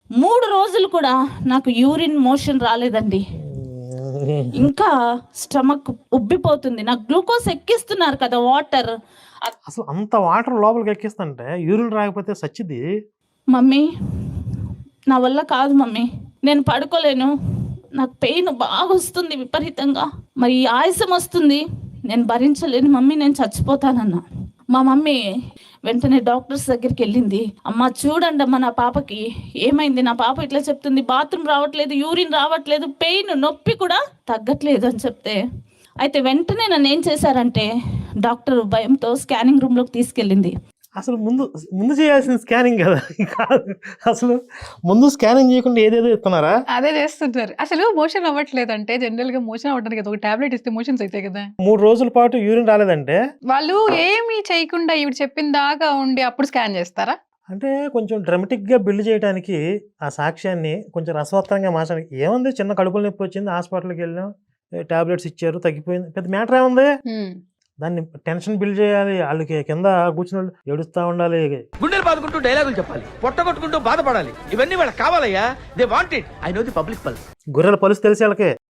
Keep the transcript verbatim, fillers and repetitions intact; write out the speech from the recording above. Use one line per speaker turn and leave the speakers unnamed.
మూడు రోజులు కూడా నాకు యూరిన్ మోషన్ రాలేదండి. ఇంకా స్టమక్ ఉబ్బిపోతుంది. నాకు గ్లూకోజ్ ఎక్కిస్తున్నారు కదా వాటర్.
అసలు అంత వాటర్ లోపలికి ఎక్కిస్తుంటే యూరిన్ రాకపోతే సచ్చిది.
మమ్మీ నా వల్ల కాదు మమ్మీ, నేను పడుకోలేను, నాకు పెయిన్ బాగా వస్తుంది విపరీతంగా, మరి ఆయాసం వస్తుంది, నేను భరించలేను మమ్మీ, నేను చచ్చిపోతానన్నా. మా మమ్మీ వెంటనే డాక్టర్స్ దగ్గరికి వెళ్ళింది. అమ్మ చూడండి అమ్మ, నా పాపకి ఏమైంది, నా పాప ఇట్లా చెప్తుంది, బాత్రూమ్ రావట్లేదు, యూరిన్ రావట్లేదు, పెయిన్ నొప్పి కూడా తగ్గట్లేదు అని చెప్తే, అయితే వెంటనే నన్ను ఏం చేశారంటే డాక్టర్ భయంతో స్కానింగ్ రూమ్లోకి తీసుకెళ్ళింది.
అసలు ముందు ముందు చేయాల్సిన స్కానింగ్ కదా కాదు, అసలు ముందు స్కానింగ్ చేయకుండా ఏదేదో ఇస్తున్నారా?
అదే చేస్తుంటారు. అసలు మోషన్ అవ్వట్లేదు అంటే జనరల్ గా మోషన్ అవ్వడానికి కదా ఒక టాబ్లెట్ ఇస్తే మోషన్స్ అవుతాయి కదా.
మూడు రోజుల పాటు యూరిన్ రాలేదంటే
వాళ్ళు ఏమీ చేయకుండా ఇవి చెప్పిన దాకా ఉండి అప్పుడు స్కాన్ చేస్తారా?
అంటే కొంచెం డ్రమటిక్గా బిల్డ్ చేయడానికి ఆ సాక్ష్యాన్ని కొంచెం రసవత్తరంగా మార్చడానికి. ఏముంది, చిన్న కడుపుల నొప్పి వచ్చింది, హాస్పిటల్కి వెళ్ళాం, టాబ్లెట్స్ ఇచ్చారు, తగ్గిపోయింది, పెద్ద మ్యాటర్ ఏముంది. దాన్ని టెన్షన్ బిల్డ్ చేయాలి, వాళ్ళకి కింద కూర్చుని వాళ్ళు ఏడుస్తూ ఉండాలి,
గుండెలు బాదుకుంటూ డైలాగులు చెప్పాలి, పొట్ట కొట్టుకుంటూ బాధపడాలి. ఇవన్నీ వాళ్ళకి కావాలయ్యా. They want it. I know the public pulse.
గొర్రెల పలుసు తెలిసి వాళ్ళకి.